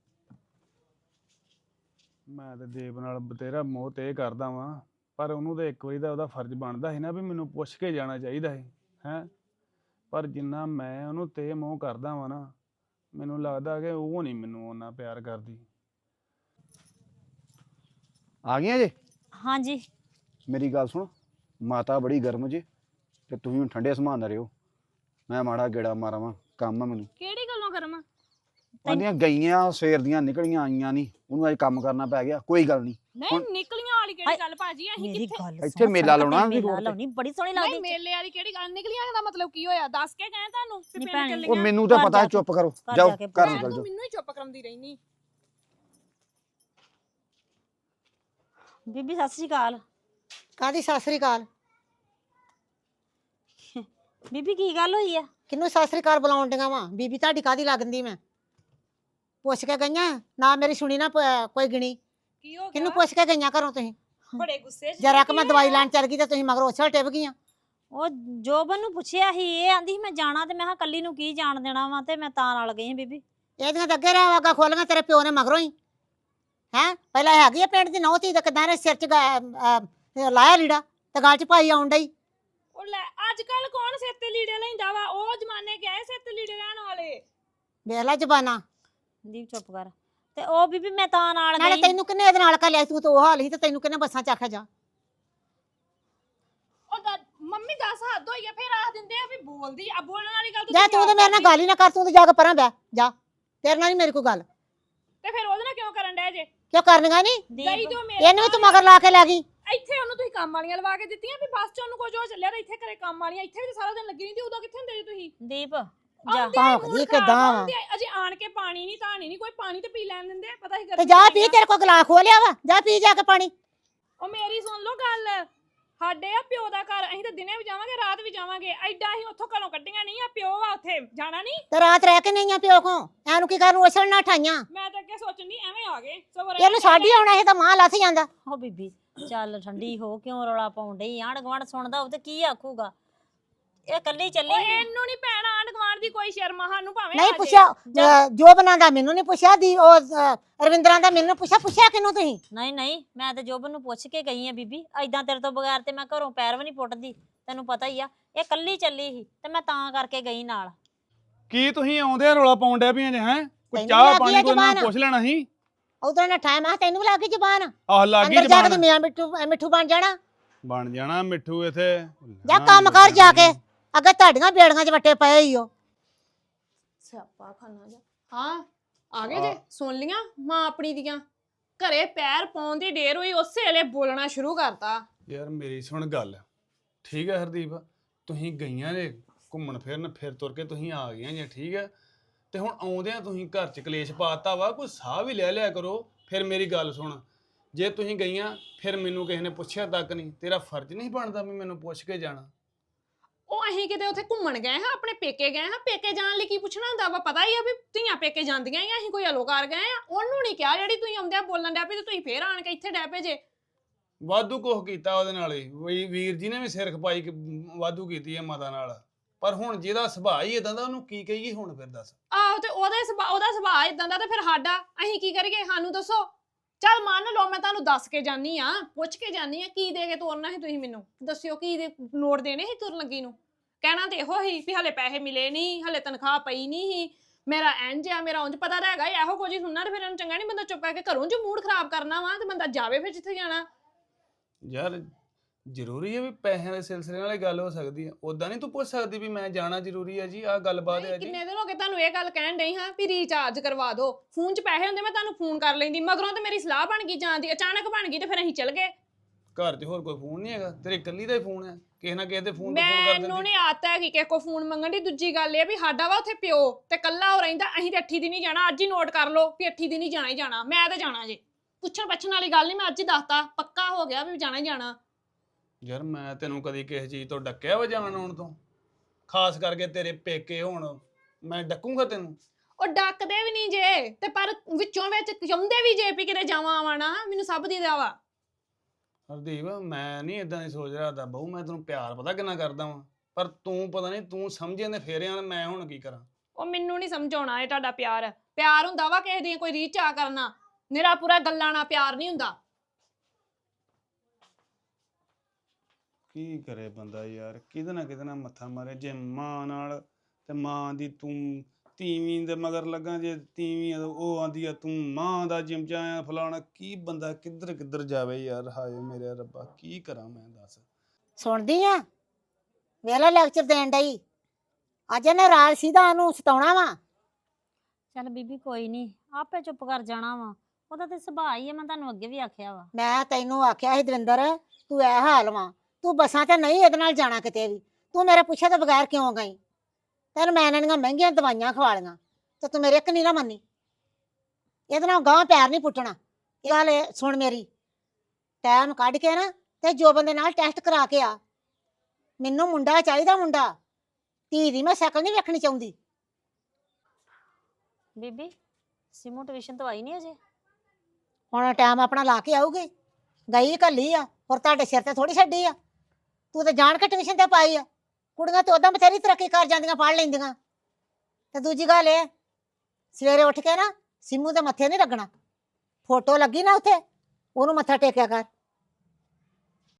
F: ਮੈਂ ਤੇ ਦੀਪ ਨਾਲ ਬਤੇਰਾ ਮੋਹ ਤੇ ਕਰਦਾ ਵਾਂ, ਪਰ ਉਹਨੂੰ ਤਾਂ ਇੱਕ ਵਾਰੀ ਦਾ ਉਹਦਾ ਫਰਜ਼ ਬਣਦਾ ਸੀ ਨਾ ਵੀ ਮੈਨੂੰ ਪੁੱਛ ਕੇ ਜਾਣਾ ਚਾਹੀਦਾ ਸੀ ਹੈ। ਪਰ ਜਿੰਨਾ ਮੈਂ ਉਹਨੂੰ ਤੇ ਮੋਹ ਕਰਦਾ ਵਾਂ ਨਾ, ਮੈਨੂੰ ਲੱਗਦਾ ਕਿ ਉਹ ਨਹੀਂ ਮੈਨੂੰ ਉਹਨਾਂ ਪਿਆਰ ਕਰਦੀ।
G: ਆ ਗਈਆਂ ਜੇ?
A: ਹਾਂਜੀ
G: ਮੇਰੀ ਗੱਲ ਸੁਣ, ਮਾਤਾ ਬੜੀ ਗਰਮ ਜੇ ਤੇ ਤੁਸੀਂ ਹੁਣ ਠੰਡੇ ਸਮਾਨ ਨਾ ਰਿਓ, ਮੈਂ ਮਾੜਾ ਗੇੜਾ ਮਾਰਾਵਾਂ, ਕੰਮ ਆ ਮੈਨੂੰ।
D: ਕਿਹੜੀ ਗੱਲੋਂ ਕਰਮਾ?
G: ਉਹਦੀਆਂ ਗਈਆਂ ਸਵੇਰ ਦੀਆਂ ਨਿਕਲੀਆਂ ਆਈਆਂ ਨਹੀਂ, ਉਹਨੂੰ ਅੱਜ ਕੰਮ ਕਰਨਾ ਪੈ ਗਿਆ। ਕੋਈ ਗੱਲ ਨਹੀਂ,
D: ਨਹੀਂ ਨਿਕਲੀਆਂ ਵਾਲੀ ਕਿਹੜੀ ਗੱਲ ਭਾਜੀ? ਅਸੀਂ
A: ਮੇਰੀ
D: ਕਿੱਥੇ
A: ਗੱਲ
G: ਇੱਥੇ
A: ਸੁਣ,
G: ਮੇਲਾ
A: ਸੜਕ ਤੇ
G: ਲਾਉਣਾ ਅਸੀਂ
A: ਮੇਲਾ
G: ਰੋਡ ਤੇ।
A: ਲਾਉਣੀ ਬੜੀ ਸੋਹਣੀ
D: ਨਹੀਂ
A: ਲੱਗਦੀ।
D: ਮੇਲੇ ਵਾਲੀ ਕਿਹੜੀ ਗੱਲ? ਨਿਕਲੀਆਂ ਦਾ ਮਤਲਬ ਕੀ ਹੋਇਆ? ਦੱਸ ਕੇ ਗਏ ਤੁਹਾਨੂੰ ਵੀ
A: ਨਹੀਂ
D: ਪਿੰਡ
A: ਭੈਣੇ,
D: ਚੱਲੀਆਂ।
G: ਉਹ ਮੈਨੂੰ ਤਾਂ
A: ਘਰ
G: ਪਤਾ
A: ਜਾ
G: ਹੈ,
A: ਕੇ-
G: ਚੁੱਪ ਕਰੋ,
A: ਘਰ
G: ਜਾਓ
A: ਜਾ ਕੇ
G: ਘਰ
D: ਮੈਂ
G: ਨਿਕਲ
D: ਤੂੰ
G: ਜਾਓ।
D: ਮੈਨੂੰ ਹੀ ਚੁੱਪ ਕਰਾਉਂਦੀ ਰਹਿਨੀ।
A: ਬੀਬੀ ਸਤਿ ਸ੍ਰੀ ਅਕਾਲ।
E: ਕਾਦੀ ਸਤਿ ਸ੍ਰੀ ਅਕਾਲ?
A: ਬੀਬੀ ਕੀ ਗੱਲ ਹੋਈ ਆ?
E: ਕਿਹਨੂੰ ਸਤਿ ਸ੍ਰੀ ਅਕਾਲ ਬੁਲਾਉਣ ਡੀਆਂ ਵਾ? ਬੀਬੀ ਤੁਹਾਡੀ ਕਾਦੀ ਲੱਗਦੀ? ਮੈਂ ਪੁੱਛ ਕੇ ਗਈਆਂ ਨਾ, ਮੇਰੀ ਸੁਣੀ ਨਾ ਪ- ਕੋਈ ਗਿਣੀ।
D: ਕੀ ਹੋ
E: ਕਿਹਨੂੰ
D: ਗਿਆ?
E: ਪੁੱਛ ਕੇ ਗਈਆਂ ਘਰੋਂ ਤੁਸੀਂ?
D: ਬੜੇ ਗੁੱਸੇ 'ਚ
E: ਜਰਾ ਕਿ
D: ਕੀ
E: ਮੈਂ ਦਵਾਈ
D: ਹੋਇਆ?
E: ਲੈਣ ਚੱਲ ਗਈ ਤੇ ਤੁਸੀਂ ਮਗਰ ਉਛਲ ਟਿਪ ਗਈਆਂ।
A: ਉਹ ਜੋਬਨ ਨੂੰ ਪੁੱਛਿਆ ਸੀ, ਇਹ ਆਂਦੀ ਸੀ ਮੈਂ ਜਾਣਾ, ਤੇ ਮੈਂ ਕਿਹਾ ਕੱਲੀ ਨੂੰ ਕੀ ਜਾਣ ਦੇਣਾ ਵਾ, ਤੇ ਮੈਂ ਤਾਂ ਨਾਲ ਗਈ ਹਾਂ ਬੀਬੀ।
E: ਇਹਦੀਆਂ ਤਾਂ ਅੱਗੇ ਰਹਿ ਵਾਗਾ ਖੋਲੀਆਂ ਤੇਰੇ ਪਿਓ ਨੇ ਮਗਰੋਂ ਹੀ। ਹੈ ਪਹਿਲਾਂ ਹੈਗੀ ਆ ਪਿੰਡ ਦੀ ਨਹੁੰ ਧੀ, ਤਾਂ ਕਿਦਾਂ ਨੇ ਸਿਰ 'ਚ ਗਾ- ਅਹ ਲਾਇਆ ਲੀੜਾ ਤੇ ਗਲ 'ਚ ਪਾਈ ਆਉਣ ਡਈ।
D: ਉਹ ਲੈ ਅੱਜ ਕੱਲ ਕੌਣ ਸਿਰ ਤੇ ਲੀੜੇ ਲੈਂਦਾ ਵਾ? ਉਹ ਜ਼ਮਾਨੇ ਗਏ ਸਿਰ ਤੇ ਲੀੜੇ ਲੈਣ ਵਾਲੇ।
E: ਵੇਖ ਲੈ ਜ਼ਬਾਨਾਂ।
A: ਦੀਪ ਚੁੱਪ ਕਰ। ਤੇ ਉਹ ਬੀਬੀ ਮੈਂ ਤਾਂ ਨਾਲ
E: ਨਾਲੇ
A: ਗਈ।
E: ਤੈਨੂੰ ਕਿੰਨੇ ਇਹਦੇ ਨਾਲ ਘੱਲਿਆ? ਤੂੰ ਤਾਂ ਉਹ ਹਾਲ ਸੀ ਤੇ ਤੈਨੂੰ ਕਿੰਨੇ ਬੱਸਾਂ 'ਚ ਆਖਿਆ ਜਾ।
D: ਉਹ ਦ- ਮੰਮੀ ਦੱਸ ਹੱਦ ਹੋਈ ਆ, ਫਿਰ ਆਖ ਦਿੰਦੇ ਆ ਵੀ ਬੋਲਦੀ ਆ। ਬੋਲਣ ਵਾਲੀ ਗੱਲ
E: ਜਾ ਤੂੰ ਤੇ ਮੇਰੇ ਨਾਲ ਗੱਲ ਹੀ ਨਾ ਕਰ, ਤੂੰ ਤੇ ਜਾ ਕੇ ਪਰਾਂ ਬਹਿ ਜਾ, ਤੇਰੇ ਨਾਲ ਨਹੀਂ ਮੇਰੀ ਕੋਈ ਗੱਲ।
D: ਤੇ ਫਿਰ ਉਹਦੇ ਨਾਲ ਕਿਉਂ ਕਰਨ ਡਿਆ ਜੇ?
E: ਕਿਉਂ ਕਰਨੀਆਂ ਨਹੀਂ?
D: ਗਈ
A: ਦੀਪ
D: ਤੋਂ ਮੇਰੇ
E: ਇਹਨੂੰ ਵੀ ਤੂੰ ਮਗਰ ਲਾ ਕੇ ਲੈ ਗਈ।
D: ਇੱਥੇ ਉਹਨੂੰ ਤੁਸੀਂ ਕੰਮ ਵਾਲੀਆਂ ਲਵਾ ਕੇ ਦਿੱਤੀਆਂ ਵੀ ਬੱਸ 'ਚ ਉਹਨੂੰ ਕੁਝ ਹੋ ਚੱਲਿਆ, ਤਾਂ ਇੱਥੇ ਘਰੇ ਕੰਮ ਵਾਲੀਆਂ। ਇੱਥੇ ਵੀ ਤਾਂ ਸਾਰਾ ਦਿਨ ਲੱਗੀ ਰਹਿੰਦੀ, ਉਦੋਂ ਕਿੱਥੇ ਹੁੰਦੇ ਜੀ ਤੁਸੀਂ?
A: ਦੀਪ ਜਾ।
D: ਆਉਂਦੇ ਆ,
E: ਭੌਂਕਦੀ
D: ਮੂਡ
E: ਕਿੱਦਾਂ
D: ਖਰਾਬ
E: ਵਾ?
D: ਹੁੰਦੇ ਆ, ਅਜੇ ਆਣ ਕੇ ਪਾਣੀ ਨਹੀਂ ਧਾਣੀ ਨਹੀਂ, ਕੋਈ ਪਾਣੀ ਤੇ ਪੀ ਲੈਣ ਦਿੰਦੇ ਆ, ਪਤਾ ਹੀ
E: ਤੇ
D: ਕਰਦੀ
E: ਜਾ ਪੀ, ਤੇਰੇ ਕੋਲ ਗਲਾਸ ਖੋਲਿਆ ਵਾ, ਜਾ ਪੀ ਜਾ ਕੇ ਪਾਣੀ।
D: ਉਹ ਮੇਰੀ ਸੁਣ ਲਓ ਗੱਲ, ਸਾਡੇ ਆ ਪਿਓ ਦਾ ਘਰ, ਅਸੀਂ ਤਾਂ ਦਿਨੇ ਵੀ ਜਾਵਾਂਗੇ ਰਾਤ ਵੀ ਜਾਵਾਂਗੇ। ਐਡਾ ਅਸੀਂ ਉੱਥੋਂ ਘਰੋਂ ਕੱਢੀਆਂ ਨਹੀਂ ਆ, ਪਿਓ ਆ ਉੱਥੇ ਜਾਣਾ ਨਹੀਂ।
E: ਤੇ ਰਾਤ ਰਹਿ ਕੇ ਨਹੀਂ ਆ ਪਿਓ ਕੋ, ਐਨੂੰ ਕੀ ਕਰਨ ਉਛਲ ਨਾ ਠਾਈਆਂ।
D: ਮੈਂ ਤਾਂ ਅੱਗੇ ਸੋਚਣ ਦੀ ਐਵੇਂ ਆ ਗਏ ਸਗੋਂ
E: ਇਹਨੂੰ ਸਾਡੀ ਆਉਣਾ, ਇਹ ਤਾਂ ਮਾਂ ਲੱਥ ਜਾਂਦਾ।
A: ਹੋ ਬੀਬੀ ਚੱਲ ਠੰਡੀ ਹੋ, ਕਿਉਂ ਰੌਲਾ ਪਾਉਣ ਡਈ? ਆਂਢ ਗੁਆਂਢ ਸੁਣਦਾ ਉਹ ਤੇ ਕੀ ਆਖੂਗਾ? ਇਹ ਕੱਲੀ ਚੱਲੀ
D: ਉਹ
A: ਆ।
D: ਇਹਨੂੰ ਨਹੀਂ ਪੈਣਾ ਆਂਢ ਗੁਆਂਢ ਦੀ ਕੋਈ ਸ਼ਰਮਾ, ਸਾਨੂੰ ਭਾਵੇਂ
E: ਨਹੀਂ
D: ਆ ਜੇ।
E: ਪੁੱਛਿਆ, ਅਹ, ਜੋ ਬਣਾਉਂਦਾ ਮੈਨੂੰ ਨਹੀਂ ਪੁੱਛਿਆ, ਦੀ ਉਹ ਅਹ, ਰਵਿੰਦਰਾਂ ਦਾ ਮੈਨੂੰ ਪੁੱਛਿਆ। ਪੁੱਛਿਆ ਕਿਹਨੂੰ ਤੁਸੀਂ?
A: ਨਹੀਂ ਨਹੀਂ, ਮੈਂ ਤੇ ਜੋਬਨ ਨੂੰ ਪੁੱਛ ਕੇ ਗਈ ਆ ਬੀਬੀ। ਐਦਾਂ ਤੇਰੇ ਤੋਂ ਬਗੈਰ ਤੇ ਮੈਂ ਘਰੋਂ ਪੈਰ ਵੀ ਨਹੀਂ ਪੁੱਟਦੀ, ਤੈਨੂੰ ਪਤਾ ਹੀ ਆ। ਇਹ ਕੱਲੀ ਚੱਲੀ ਸੀ ਤੇ ਮੈਂ ਤਾਂ ਕਰਕੇ ਗਈ ਨਾਲ।
F: ਕੀ ਤੁਸੀਂ ਆਉਂਦੇ ਰੌਲਾ ਪਾਉਣ ਡਿਆ ਪਈਆਂ ਜੇ ਹੈ? ਕੋਈ
E: ਤੈਨੂੰ
F: ਚਾਹ
E: ਲੱਗ ਗਈ
F: ਪਾਣੀ
E: ਆ
F: ਕੋਈ ਨਾ
E: ਜ਼ੁਬਾਨ?
F: ਪੁੱਛ ਲੈਣਾ ਸੀ।
E: ਉਧਰ ਨਾ ਟਾਈਮ ਆ, ਤੈਨੂੰ ਵੀ ਲੱਗ ਗਈ ਜ਼ਬਾਨ।
F: ਆਹ ਲੱਗੀ
E: ਅੰਦਰ ਜਾ ਕੇ ਤੇ
F: ਜ਼ਬਾਨ
E: ਮੀਆਂ ਮਿੱਠੂ ਅਹ, ਮਿੱਠੂ ਬਣ ਜਾਣਾ।
F: ਬਣ ਜਾਣਾ ਮਿੱਠੂ ਇੱਥੇ।
E: ਜਾ ਕੰਮ ਕਰ ਜਾ ਕੇ, ਅੱਗੇ ਤੁਹਾਡੀਆਂ ਬੇੜੀਆਂ 'ਚ ਵੱਟੇ ਪਏ ਹੀ ਹੋ।
D: ਸਿਆਪਾ ਖਾਨਾ ਜਾ। ਹਾਂ ਆ ਗਏ ਜੇ? ਸੁਣ ਲੀਆਂ ਮਾਂ ਆਪਣੀ ਦੀਆਂ? ਘਰੇ ਪੈਰ ਪਾਉਣ ਦੀ ਢੇਰ ਹੋਈ, ਉਸੇ ਵੇਲੇ ਬੋਲਣਾ ਸ਼ੁਰੂ ਕਰਤਾ।
F: ਯਾਰ ਮੇਰੀ ਸੁਣ ਗੱਲ, ਠੀਕ ਹੈ ਹਰਦੀਪ, ਤੁਸੀਂ ਗਈਆਂ ਜੇ ਘੁੰਮਣ ਫਿਰਨ, ਫਿਰ ਤੁਰ ਕੇ ਤੁਸੀਂ ਆ ਗਈਆਂ ਜੇ, ਠੀਕ ਹੈ। ਤੇ ਹੁਣ ਆਉਂਦਿਆਂ ਤੁਸੀਂ ਘਰ 'ਚ ਕਲੇਸ਼ ਪਾਤਾ ਵਾ, ਕੋਈ ਸਾਹ ਵੀ ਲੈ ਲਿਆ ਕਰੋ। ਫਿਰ ਮੇਰੀ ਗੱਲ ਸੁਣ, ਜੇ ਤੁਸੀਂ ਗਈਆਂ ਫਿਰ ਮੈਨੂੰ ਕਿਸੇ ਨੇ ਪੁੱਛਿਆ ਤੱਕ ਨਹੀਂ, ਤੇਰਾ ਫਰਜ਼ ਨਹੀਂ ਬਣਦਾ ਵੀ ਮੈਨੂੰ ਪੁੱਛ ਕੇ ਜਾਣਾ?
D: ਉਹ ਅਸੀਂ ਕਿਤੇ ਉੱਥੇ ਘੁੰਮਣ ਗਏ ਹਾਂ, ਆਪਣੇ ਪੇਕੇ ਗਏ ਹਾਂ। ਪੇਕੇ ਜਾਣ ਲਈ ਕੀ ਪੁੱਛਣਾ ਹੁੰਦਾ ਵਾ? ਪਤਾ ਹੀ ਆ ਵੀ ਧੀਆਂ ਪੇਕੇ ਜਾਂਦੀਆਂ ਹੀ ਆ, ਅਸੀਂ ਕੋਈ ਅਲੋਕਾਰ ਗਏ ਆ। ਉਹਨੂੰ ਨਹੀਂ ਕਿਹਾ ਜਿਹੜੀ ਤੁਸੀਂ ਆਉਂਦਿਆਂ ਬੋਲਣ ਡੈ ਪਏ, ਤੇ ਤੁਸੀਂ ਫੇਰ ਆਣ ਕੇ ਇੱਥੇ ਡੈ ਪਏ ਜੇ।
F: ਵਾਧੂ ਕੁਛ ਕੀਤਾ ਉਹਦੇ ਨਾਲ ਹੀ, ਵੀ ਵੀਰ ਜੀ ਨੇ ਵੀ ਸਿਰ ਖਪਾਈ ਕ- ਵਾਧੂ ਕੀਤੀ ਹੈ ਮਾਤਾ ਨਾਲ। ਪਰ ਹੁਣ ਜਿਹਦਾ ਸੁਭਾਅ ਹੀ ਇਦਾਂ ਦਾ, ਉਹਨੂੰ ਕੀ ਕਹੀਏ ਹੁਣ? ਫਿਰ ਦੱਸ।
D: ਆਹੋ ਤੇ ਉਹਦੇ ਸੁਭਾਅ ਉਹਦਾ ਸੁਭਾਅ ਇਦਾਂ ਦਾ, ਤੇ ਫਿਰ ਸਾਡਾ ਅਸੀਂ ਕੀ ਕਰੀਏ? ਸਾਨੂੰ ਦੱਸੋ। ਚੱਲ ਮੰਨ ਲਓ ਮੈਂ ਤੁਹਾਨੂੰ ਦੱਸ ਕੇ ਜਾਨੀ ਆ, ਪੁੱਛ ਕੇ ਜਾਨੀ ਆ, ਕੀ ਦੇ ਕੇ ਤੋਰਨਾ ਸੀ ਤੁਸੀਂ? ਮੈਨੂੰ ਦੱਸਿਓ ਕੀ ਦੇ ਨੋਟ ਦੇਣੇ ਸੀ ਤੁਰਨ ਲੱਗੀ ਨੂੰ? ਕਹਿਣਾ ਤੇ ਇਹੋ ਹੀ ਵੀ ਹਲੇ ਪੈਸੇ ਮਿਲੇ ਨਹੀਂ, ਹਲੇ ਤਨਖਾਹ ਪਈ ਨਹੀਂ ਸੀ, ਮੇਰਾ ਇੰਜ ਆ, ਮੇਰਾ ਉਂਝ। ਪਤਾ ਤਾਂ ਹੈਗਾ ਇਹੋ ਕੁਝ ਹੀ ਸੁਣਨਾ, ਤੇ ਫਿਰ ਇਹਨੂੰ ਚੰਗਾ ਨਹੀਂ ਬੰਦਾ ਚੁੱਪ ਕਰਕੇ ਘਰੋਂ ਜੋ ਮੂਡ ਖਰਾਬ ਕਰਨਾ ਵਾ, ਤੇ ਬੰਦਾ ਜਾਵੇ ਫਿਰ ਜਿੱਥੇ ਜਾਣਾ।
F: ਯਾਰ ਜ਼ਰੂਰੀ ਹੈ ਵੀ ਪੈਸਿਆਂ ਦੇ ਸਿਲਸਿਲੇ ਨਾਲ ਹੀ ਗੱਲ ਹੋ ਸਕਦੀ ਹੈ? ਉਦਾਂ ਨਹੀਂ ਤੂੰ ਪੁੱਛ ਸਕਦੀ ਵੀ ਮੈਂ ਜਾਣਾ ਜ਼ਰੂਰੀ ਹੈ ਜੀ, ਆਹ ਗੱਲਬਾਤ ਹੈ ਜੀ।
D: ਕਿੰਨੇ ਦਿਨ ਹੋ ਗਏ ਤੁਹਾਨੂੰ ਇਹ ਗੱਲ ਕਹਿਣ ਡਈ ਹਾਂ ਵੀ ਰੀਚਾਰਜ ਕਰਵਾ ਦਿਓ, ਫੋਨ 'ਚ ਪੈਸੇ ਹੁੰਦੇ ਮੈਂ ਤੁਹਾਨੂੰ ਫੋਨ ਕਰ ਲੈਂਦੀ। ਮਗਰੋਂ ਤੇ ਮੇਰੀ ਸਲਾਹ ਬਣ ਗਈ ਜਾਣ ਦੀ, ਅਚਾਨਕ ਬਣ ਗਈ, ਤੇ ਫਿਰ ਅਸੀਂ ਚੱਲ ਗਏ।
F: ਘਰ 'ਚ ਹੋਰ ਕੋਈ ਫੋਨ ਨਹੀਂ ਹੈਗਾ? ਤੇਰੇ ਇਕੱਲੀ ਦਾ ਹੀ ਫੋਨ ਹੈ? ਕਿਸੇ ਨਾ ਕਿਸੇ ਦੇ ਫੋਨ ਤੋਂ ਫੋਨ ਕਰ
D: ਮੈਨੂੰ
F: ਦਿੰਦੀ।
D: ਨਹੀਂ ਆਤਾ ਕਿ ਕਿਸੇ ਕੋ ਫੋਨ ਮੰਗਣ ਦੀ। ਦੂਜੀ ਗੱਲ ਇਹ ਵੀ ਸਾਡਾ ਵਾ ਉੱਥੇ ਪਿਓ ਤੇ ਕੱਲਾ ਹੋ ਰਹਿੰਦਾ, ਅਸੀਂ ਤੇ ਅੱਠੀ ਦੀ ਨਹੀਂ ਜਾਣਾ। ਅੱਜ ਹੀ ਨੋਟ ਕਰ ਲਓ ਵੀ ਅੱਠੀ ਦੀ ਨਹੀਂ ਜਾਣਾ ਹੀ ਜਾਣਾ। ਮੈਂ ਤੇ ਜਾਣਾ ਜੇ, ਪੁੱਛਣ ਪੱਛਣ ਵਾਲੀ ਗੱਲ ਨਹੀਂ, ਮੈਂ ਅੱਜ ਹੀ ਦੱਸਤਾ, ਪੱਕਾ ਹੋ ਗਿਆ ਵੀ ਜਾਣਾ ਹੀ ਜਾਣਾ।
F: ਯਾਰ ਮੈਂ ਤੈਨੂੰ ਕਦੀ ਕਿਸੇ ਚੀਜ਼ ਤੋਂ ਡੱਕਿਆ ਵਾ ਜਾਣ ਆਉਣ ਤੋਂ? ਖਾਸ ਕਰਕੇ ਤੇਰੇ ਪੇਕੇ ਹੋਣ, ਮੈਂ ਡੱਕੂਗਾ ਤੈਨੂੰ?
D: ਉਹ ਡੱਕਦੇ ਵੀ ਨਹੀਂ ਜੇ, ਤੇ ਪਰ ਵਿੱਚੋਂ ਵਿੱਚ ਚਾਹੁੰਦੇ ਵੀ ਜੇ ਵੀ ਕਿਤੇ ਜਾਵਾਂ ਆਵਾਂ ਨਾ, ਮੈਨੂੰ ਸਭ ਦੀ ਦਾ ਵਾ।
F: ਹਰਦੀਪ ਮੈਂ ਨਹੀਂ ਇਦਾਂ ਦੀ ਸੋਚ ਰਿਹਾ ਤਾਂ ਬਹੂ, ਮੈਂ ਤੈਨੂੰ ਪਿਆਰ ਪਤਾ ਕਿੰਨਾ ਕਰਦਾ ਵਾਂ, ਪਰ ਤੂੰ ਪਤਾ ਨਹੀਂ ਤੂੰ ਸਮਝੇ ਨੇ ਫੇਰਿਆਂ ਨਾਲ ਮੈਂ ਹੁਣ ਕੀ ਕਰਾਂ?
D: ਉਹ ਮੈਨੂੰ ਨਹੀਂ ਸਮਝਾਉਣਾ ਇਹ ਤੁਹਾਡਾ ਪਿਆਰ। ਪਿਆਰ ਹੁੰਦਾ ਵਾ ਕਿਸੇ ਦੀ ਕੋਈ ਰੀਚ ਆ ਕਰਨਾ, ਮੇਰਾ ਪੂਰਾ ਗੱਲਾਂ ਨਾਲ ਪਿਆਰ ਨਹੀਂ ਹੁੰਦਾ।
F: ਕੀ ਕਰੇ ਬੰਦਾ ਯਾਰ, ਕਿਹਦੇ ਨਾ ਕਿਹਦੇ ਨਾਲ ਮੱਥਾ ਮਾਰੇ। ਜੇ ਮਾਂ ਨਾਲ ਤੇ ਮਾਂ ਦੀ ਤੂੰ ਤੀਵੀਂ ਦੇ ਮਗਰ ਲੱਗਾ, ਜੇ ਤੀਵੀਂ ਆ ਉਹ ਆਂਦੀ ਆ ਤੂੰ ਮਾਂ ਦਾ ਚਿਮਚਾ ਆ ਫਲਾਣਾ। ਕੀ ਬੰਦਾ ਕਿੱਧਰ ਕਿੱਧਰ ਜਾਵੇ ਯਾਰ, ਹਾਏ ਮੇਰੇ ਰੱਬਾ ਕੀ ਕਰਾਂ ਮੈਂ ਦੱਸ।
E: ਸੁਣਦੀ ਆ ਵੇਲਾ ਲੈਕਚਰ ਦੇਣ ਡਈ। ਅੱਜ ਇਹਨੇ ਰਾਜ ਸਿੱਧਾ ਉਹਨੂੰ ਸਤਾਉਣਾ ਵਾ।
A: ਚੱਲ ਬੀਬੀ ਕੋਈ ਨਹੀਂ, ਆਪੇ ਚੁੱਪ ਕਰ ਜਾਣਾ ਵਾ। ਉਹਦਾ ਤੇ ਸੁਭਾਅ ਹੀ ਹੈ, ਮੈਂ ਤੁਹਾਨੂੰ ਅੱਗੇ ਵੀ ਆਖਿਆ ਵਾ।
E: ਮੈਂ ਤੈਨੂੰ ਆਖਿਆ ਸੀ ਦਵਿੰਦਰ, ਤੂੰ ਐ ਹਾਲ ਵਾ, ਤੂੰ ਬੱਸਾਂ ਤੇ ਨਹੀਂ ਇਹਦੇ ਨਾਲ ਜਾਣਾ ਕਿਤੇ ਵੀ। ਤੂੰ ਮੇਰੇ ਪੁੱਛੇ ਤੋਂ ਬਗੈਰ ਕਿਉਂ ਗਈ? ਤੈਨੂੰ ਮੈਂ ਇਹਨਾਂ ਦੀਆਂ ਮਹਿੰਗੀਆਂ ਦਵਾਈਆਂ ਖਵਾ ਲਈਆਂ ਤੇ ਤੂੰ ਮੇਰੇ ਇੱਕ ਨਹੀਂ ਨਾ ਮੰਨੀ। ਇਹਦੇ ਨਾਲ ਗਾਂ ਪੈਰ ਨਹੀਂ ਪੁੱਟਣਾ। ਇਹ ਗੱਲ ਇਹ ਸੁਣ ਮੇਰੀ, ਟਾਈਮ ਕੱਢ ਕੇ ਨਾ ਤੇ ਜੋ ਬੰਦੇ ਨਾਲ ਟੈਸਟ ਕਰਾ ਕੇ ਆ। ਮੈਨੂੰ ਮੁੰਡਾ ਚਾਹੀਦਾ, ਮੁੰਡਾ। ਧੀ ਦੀ ਮੈਂ ਸ਼ਕਲ ਨਹੀਂ ਵੇਖਣੀ ਚਾਹੁੰਦੀ।
A: ਬੀਬੀ ਸਿਮੂ ਟਿਊਸ਼ਨ ਤੋਂ ਆਈ ਨਹੀਂ ਅਜੇ?
E: ਹੁਣ ਟਾਈਮ ਆਪਣਾ ਲਾ ਕੇ ਆਊਗੀ। ਗਈ ਘੱਲੀ ਆ, ਹੋਰ ਤੁਹਾਡੇ ਸਿਰ ਤੇ ਥੋੜੀ ਛੱਡੀ ਆ। ਤੂੰ ਤਾਂ ਜਾਣ ਕੇ ਟਿਊਸ਼ਨ ਤੇ ਪਾਈ ਆ। ਕੁੜੀਆਂ ਤੇ ਉਦਾਂ ਬਥੇਰੀ ਤਰੱਕੀ ਕਰ ਜਾਂਦੀਆਂ, ਪੜ੍ਹ ਲੈਂਦੀਆਂ। ਤੇ ਦੂਜੀ ਗੱਲ ਇਹ, ਸਵੇਰੇ ਉੱਠ ਕੇ ਨਾ ਸਿੰਮੂ ਦੇ ਮੱਥੇ ਨਹੀਂ ਲੱਗਣਾ। ਫੋਟੋ ਲੱਗੀ ਨਾ ਉੱਥੇ, ਉਹਨੂੰ ਮੱਥਾ ਟੇਕਿਆ ਕਰ।